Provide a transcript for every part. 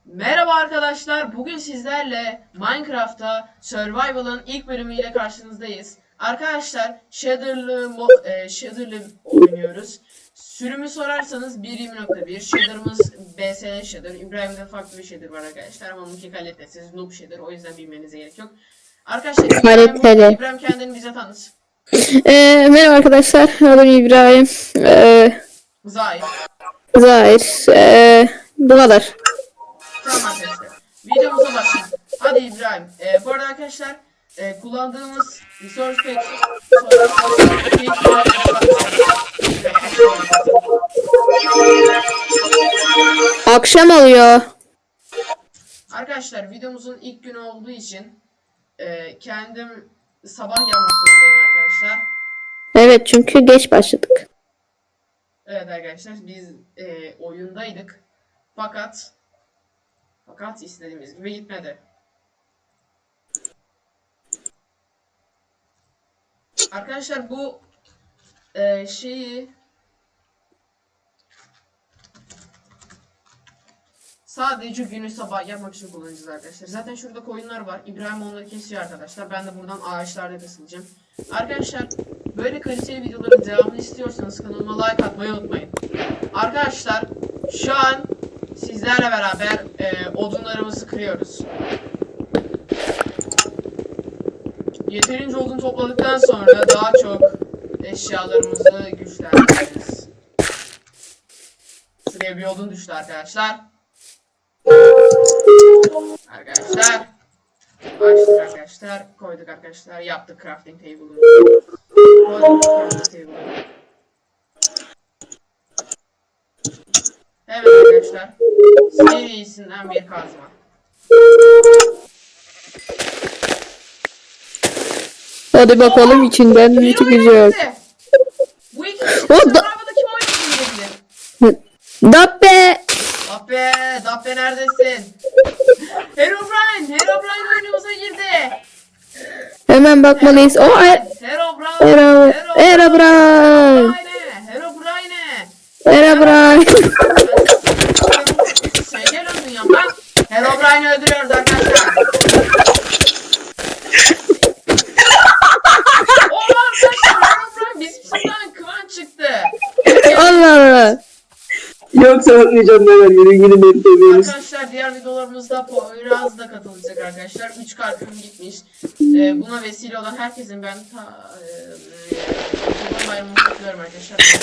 Merhaba arkadaşlar. Bugün sizlerle Minecraft'ta Survival'ın ilk bölümüyle karşınızdayız. Arkadaşlar Shader'lı oynuyoruz. Sürümü sorarsanız 1.20.1. Shader'ımız BSN Shader. İbrahim'de farklı bir shader var arkadaşlar. Ama onunki kalitesiz noob shader. O yüzden bilmenize gerek yok. Arkadaşlar İbrahim kendini bize tanıt. Merhaba arkadaşlar. Adım İbrahim. Zahir. Zahir. Bu kadar. Tamam arkadaşlar. Videomuza başlayalım. Hadi İbrahim. Bu arada arkadaşlar kullandığımız resource pack Akşam oluyor. arkadaşlar videomuzun ilk günü olduğu için kendim sabah yapmak zorundayım arkadaşlar. Evet, çünkü geç başladık. Evet arkadaşlar biz oyundaydık. Fakat istediğimiz gibi gitmedi. Arkadaşlar bu şeyi sadece günü sabah yapmak için kullanacağız arkadaşlar. Zaten şurada koyunlar var. İbrahim onları kesiyor arkadaşlar. Ben de buradan ağaçlarda kasılacağım. Arkadaşlar böyle kaliteli videoların devamını istiyorsanız kanalıma like atmayı unutmayın. Arkadaşlar şu an sizlerle beraber odunlarımızı kırıyoruz. Yeterince odun topladıktan sonra daha çok eşyalarımızı güçlendiririz. Şuraya bir odun düştü arkadaşlar. Arkadaşlar koyduk arkadaşlar, yaptık crafting table'ını. Koyduk crafting table'ını. Evet arkadaşlar, serisinden bir kazma. Hadi bakalım içinden ne çıkacak. Bu iki kişi Survival'da kim oynayabilir? Dabbe. Dappe neredesin? Herobrine oyunumuza girdi. Hemen bakmalıyız. Herobrine. Gel öldün ya bak. Herobrine'i öldürüyoruz arkadaşlar. Oha arkadaşlar, Herobrine bizimkinden Kıvanç çıktı. Allah Allah. Yoksa bakmayacağım neler yürü seviyoruz. Arkadaşlar diğer videolarımızda Poyraz da katılacak arkadaşlar. 3 kartım gitmiş. Buna vesile olan herkesin ben Kurban Bayramı'nı kutluyorum arkadaşlar.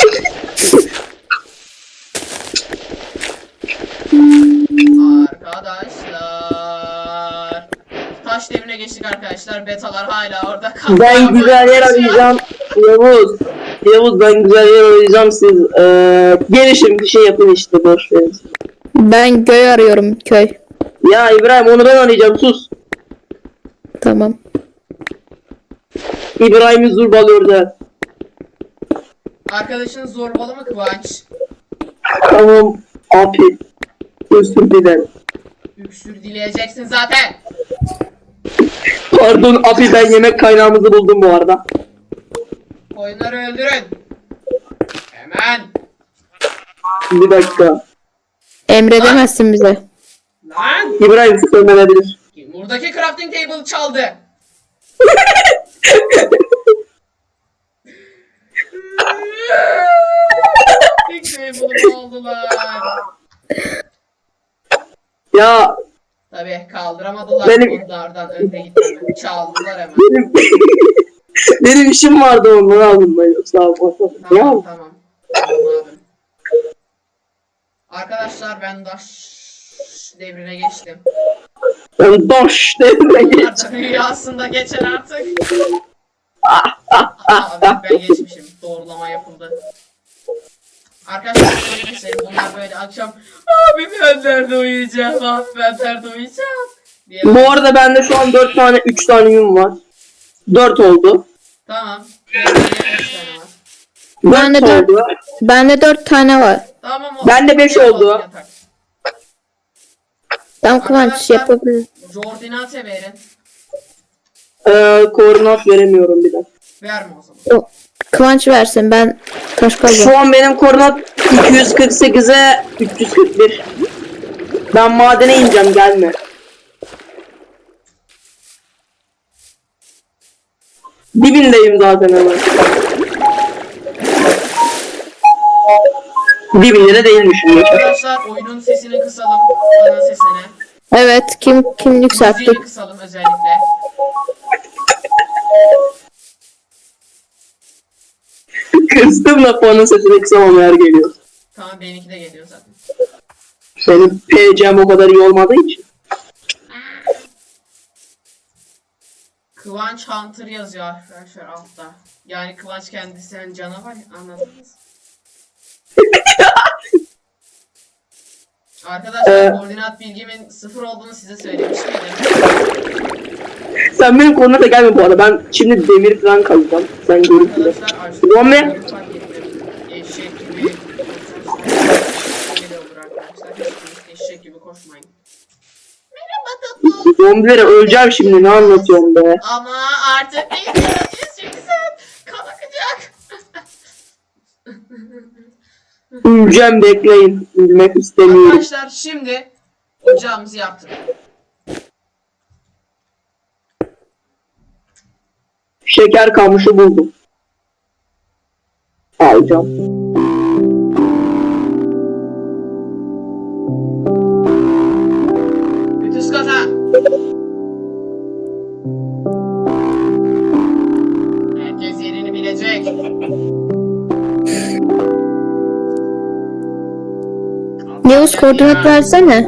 Arkadaşlar taş devrine geçtik arkadaşlar. Betalar hala orada kaldı. Ben güzel yer arayacağım. Yavuz ben güzel yer arayacağım, siz gelişin bir şey yapın işte, boş verin. Ben köy arıyorum, köy. Ya İbrahim, onu ben arayacağım, sus. Tamam. İbrahim'i zurbalıyor da. Arkadaşın zorbalı mı Kıvanç? Tamam abi. Özür dilerim. Öksür dileyeceksin zaten. Pardon abi, ben yemek kaynağımızı buldum bu arada. Koyunları öldürün. Hemen. Bir dakika. Emredemezsin bize. Lan. İbrahim söylenebilir. Buradaki crafting table çaldı. Crafting table'ımı aldılar. Ya Tabii kaldıramadılar. Onlardan önde gitmemi. Çaldılar hemen. benim işim vardı, ondan aldım ben, yoksa Tamam. Tamam abi. Arkadaşlar ben daş devrine geçtim. Ben doş devrine Bunlar geç. da rüyasında geçer artık. Abi ben geçmişim. Doğrulama yapıldı. Arkadaşlar bunlar böyle akşam abi ben nerede uyuyacağım, abi ben nerede uyuyacağım diye. Bu arada bende şu an 3 tane yün var. 4 oldu. Tamam. Benim de 5 tane var. Bende 4 oldu. Bende 4 tane var. Tamam. Bende 5 oldu. Tam Kıvanç yapabilir. Coordinate verin. Koordinat veremiyorum bir dakika. Verme o zaman. Yok. Kıvanç versin, ben taş kazıyorum. Şu an benim koordinat 248'e 341. Ben madene ineceğim, gelme. Dibindeyim zaten hemen. Dibinde de değilmişim. Arkadaşlar oyunun sesini kısalım. Ana sesini. Evet, kim Müziğini yükselttik? kısalım özellikle. Kıstım da puanın sesini kısamamaya geliyor. Tamam benimki de geliyor zaten. Senin PC'm o kadar iyi olmadığı için. Kıvanç Hunter yazıyor arkadaşlar altta. Yani Kıvanç kendisi yani canavar, anladınız. Arkadaşlar koordinat bilgimin 0 olduğunu size söylemiş miydim? Sen benim koordinata gelme bu arada. Ben şimdi demir falan kazacağım. Sen görürsün. Arkadaşlar Rome. açtım. Fark ettim. Eşek gibi öyle olur arkadaşlar. Hiç eşek gibi koşmayın. Merhaba tatlım. Zombilere öleceğim şimdi, ne anlatıyorum be. Ama artık bekleyeceğiz çünkü sen kan akacak. Öleceğim, bekleyin. Ölmek istemiyorum. Arkadaşlar şimdi ocağımızı yaptık. Şeker kamışı buldum. Alacağım. Ütüs kata. Herkes yerini bilecek. Yavuz koordinat versene.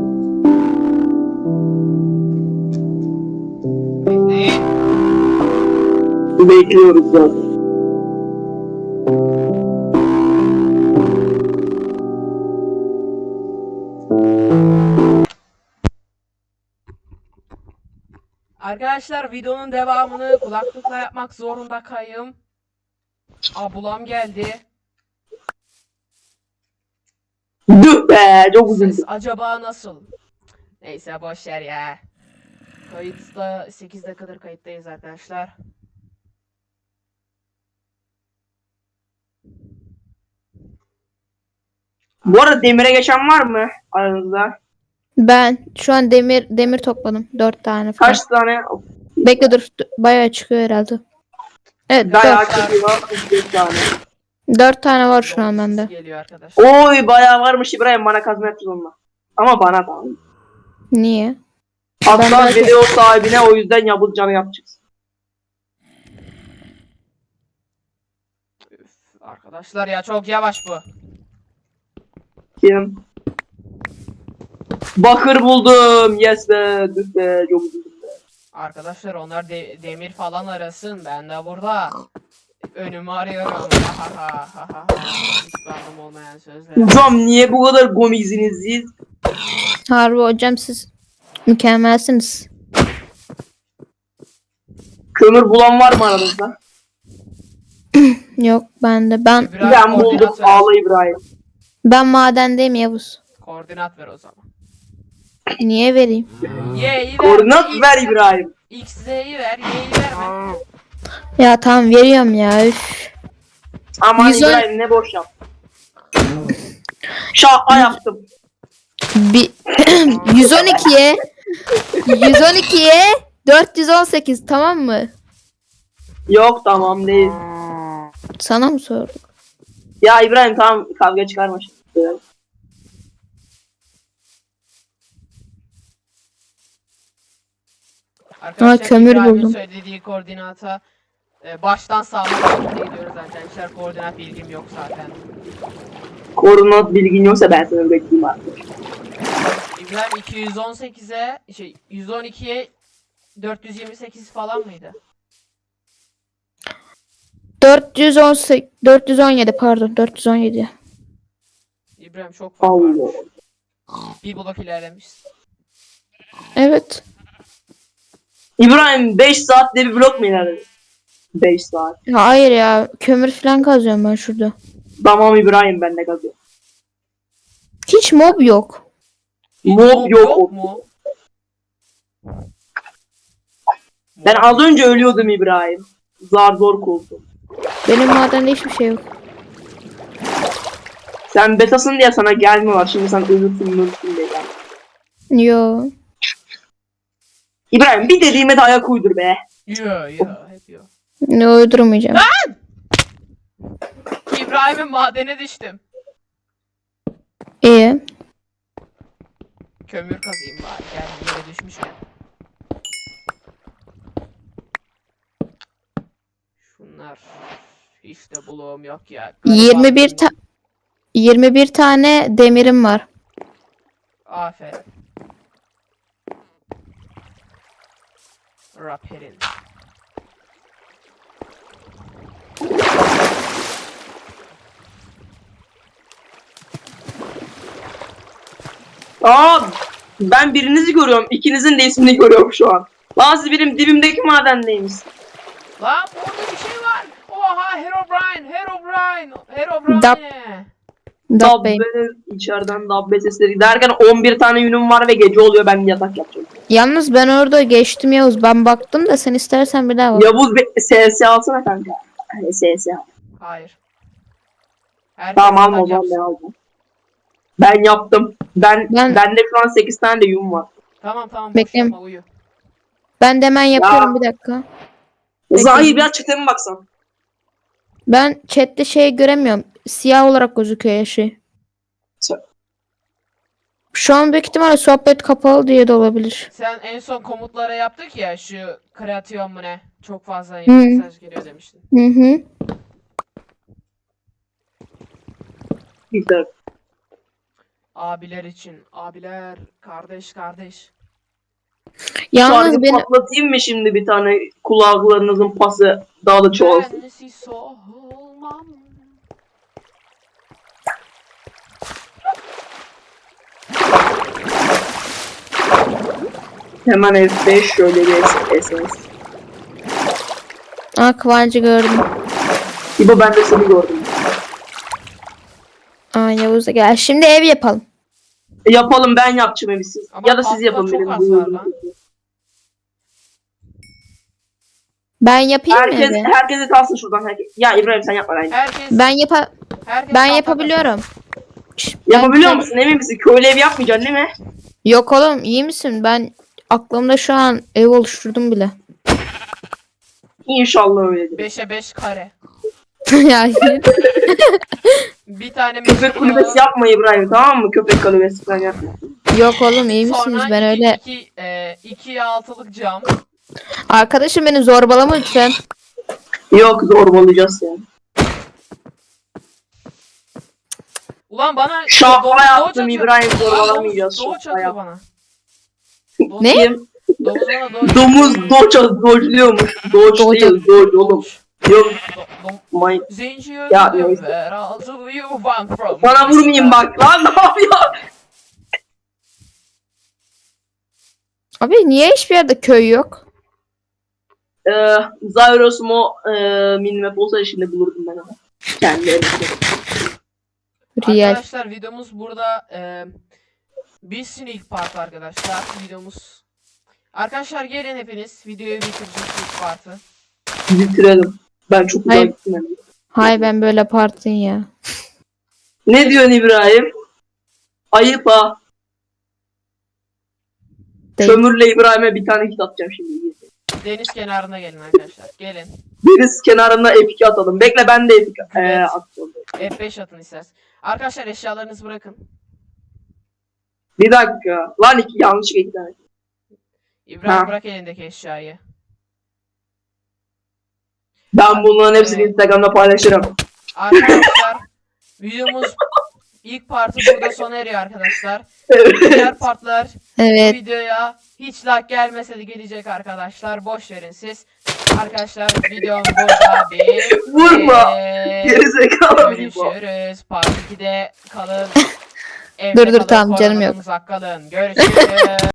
Bekleyin. Bekliyoruz zaten. Arkadaşlar videonun devamını kulaklıkla yapmak zorunda kayım. Ablam geldi. Düh be, çok Ses üzüldüm. acaba nasıl? Neyse boşver ya. Kayıtta 8 dakikadır kayıttayız arkadaşlar. Bu arada demire geçen var mı aranızda? Ben şu an demir topladım. 4 tane falan. Kaç tane? Bekle dur. Bayağı çıkıyor herhalde. Evet, Bayağı 4. çıkıyor. 3 tane. 4 tane var şu an bende. Geliyor arkadaşlar. Oy, bayağı varmış İbrahim, bana kazma yapacağız onunla. Ama bana tamam. Niye? Hatta belki- video sahibine o yüzden yapılacağını yapacağız. Üf, arkadaşlar ya çok yavaş bu. Kim? Bakır buldum. Yes be. Düh be. Çok üzüldüm be. Arkadaşlar onlar demir falan arasın. Ben de burada önümü arıyorum. Hiçbir anlam olmayan sözler. Hocam niye bu kadar komizsiniz siz? Harbi hocam siz mükemmelsiniz. Kömür bulan var mı aranızda? Yok bende. Ben İbrahim, Ben buldum. koordinat ver. Ağla İbrahim. madendeyim Yavuz. Koordinat ver o zaman. Niye vereyim? Y'yi ver. Koordinat ver İbrahim. X'yi ver. Y'yi verme. Ya tamam veriyorum ya. Üf. Aman 110 İbrahim ne boş yap. Şaka yaptım. Bir 112'ye 418 tamam mı? Yok tamam değil. Sana mı sorduk? Ya İbrahim tamam, kavga çıkarma şimdi. Arkadaşlar kömür İbrahim'in buldum. söylediği koordinata baştan sağlamak gidiyoruz arkadaşlar. Koordinat bilgim yok zaten. Koordinat bilgin yoksa ben seni bekleyeyim artık. İbrahim 218'e 112'ye 428 falan mıydı? 418 417 pardon 417. İbrahim çok fark Allah. var. Bir blok ilerlemişsin. Evet. İbrahim 5 saatte bir blok mu ilerledin? 5 saat. Hayır ya kömür falan kazıyorum ben şurada. Tamam İbrahim, ben de kazıyorum. Hiç mob yok. Mob yok. mu? Ben az önce ölüyordum İbrahim. Zar zor kovdum. Benim madende hiçbir şey yok. Sen betasın diye sana gelmiyorlar. Şimdi sen ölürsün diye gelmiş. Yo. İbrahim bir dediğime de ayak uydur be. Yo hep yo. Ne uydurmayacağım. İbrahim'in madene düştüm. İyi. Kömür kazayım bari. Gel yere düşmüşken. Şunlar hiç de buluğum yok ya. 21 tane demirim var. Aferin. Raperin. Aa, ben birinizi görüyorum. İkinizin de ismini görüyorum şu an. Lan siz benim dibimdeki madendeymiş. Lan burada bir şey var. Oha Herobrine, Herobrine, Herobrine. Dab Bey. Dabbe içeriden dabbe sesleri derken 11 tane yünüm var ve gece oluyor, ben yatak yapacağım. Yalnız ben orada geçtim Yavuz. Ben baktım da sen istersen bir daha bak. Yavuz SS alsana kanka. SS al. Hayır. Herkes Tamam alma o yatak zaman yapsın. ben aldım. Ben yaptım. Ben- Bende şu an 8 tane de yün var. Tamam boş Bekleyin. yapma uyu. Ben de hemen yapıyorum bir dakika. Peki. Zahir biraz çeteme mi baksan? Ben chatte şey göremiyorum. Siyah olarak gözüküyor ya şey. Şu an büyük ihtimalle sohbet kapalı diye de olabilir. Sen en son komutlara yaptık ya şu kreasyon mu ne? Çok fazla Hı. mesaj geliyor demiştin. Hı hı. Güzel. Abiler için. Abiler. Kardeş. Yalnız Şarkı benim patlatayım mı şimdi bir tane, kulaklarınızın pası daha da çoğalsın. Bensiz olmam. Hemen F5 şöyle bir SS. Kıvancı gördüm. İbo ben de seni gördüm. Yavuz da gel. Şimdi ev yapalım. Yapalım, ben yapacağım evi siz. Ama Ya da siz pasta yapın çok benim. az var lan. Ben yapayım mı evi? Herkese kalsın şuradan. Ya İbrahim sen yapma bence. Herkes Ben herkes ben tahta yapabiliyorum. Yapabiliyor Ben- musun? Emin misin? Köylü ev yapmayacaksın değil mi? Yok oğlum iyi misin? Ben aklımda şu an ev oluşturdum bile. İnşallah öyledir. 5'e 5 kare. Yani Bir tane Köpek meşhur kulübesi yapma İbrahim, tamam mı? Köpek kulübesi falan yapma. yok oğlum iyi misiniz? Sonra Ben öyle 2'ye 6'lık cam. arkadaşım beni zorbalama lütfen. Yok, zorbalayacağız yani. Ulan bana Şaha doğuç yaptım atıyor. İbrahim, Aa, zorbalamayacağız. Doğuç Şaha atıyor yaptım. bana. Ne? Kim? Domuz bana doğuç. Domuz doçluyormuş. Doç Doç- değil, doç oğlum. Yok. May. Zenci Ya, öldüm neyse. ve razı you want from Bana vurmayayım bak lan, ne yapıyor? Abi niye hiçbir yerde köy yok? Zyros mo minimap olsa şimdi bulurdum ben onu. Kendi elimde. Real. Arkadaşlar videomuz burada bir sneak part arkadaşlar videomuz. Arkadaşlar gelin hepiniz videoyu bitireceğiz ilk partı. Bitirelim. Ben çok güzel Hayır. gittim. Yani. Hay ben böyle partin ya. Ne diyorsun İbrahim? Ayıp ha. Değil. Kömürle İbrahim'e bir tane hit atacağım şimdi. Deniz kenarına gelin arkadaşlar. Gelin. Deniz kenarına F2 atalım. Bekle, ben de F2 Evet. atacağım. F5 atın isterseniz. Arkadaşlar eşyalarınızı bırakın. Bir dakika. Lan yanlış bir tane. İbrahim Ha. bırak elindeki eşyayı. Ben bunların hepsini Instagram'da paylaşırım. Arkadaşlar videomuz ilk partı burada sona eriyor arkadaşlar. Diğer partlar bu Evet. videoya hiç like gelmese de gelecek arkadaşlar. Boş verin siz. Arkadaşlar videom burada bir. Vurma. Gerizekalı bir bu. Görüşürüz. Part 2'de kalın. Dur, Evde kalın, tamam, canım yok. koronadan uzak kalın. Görüşürüz.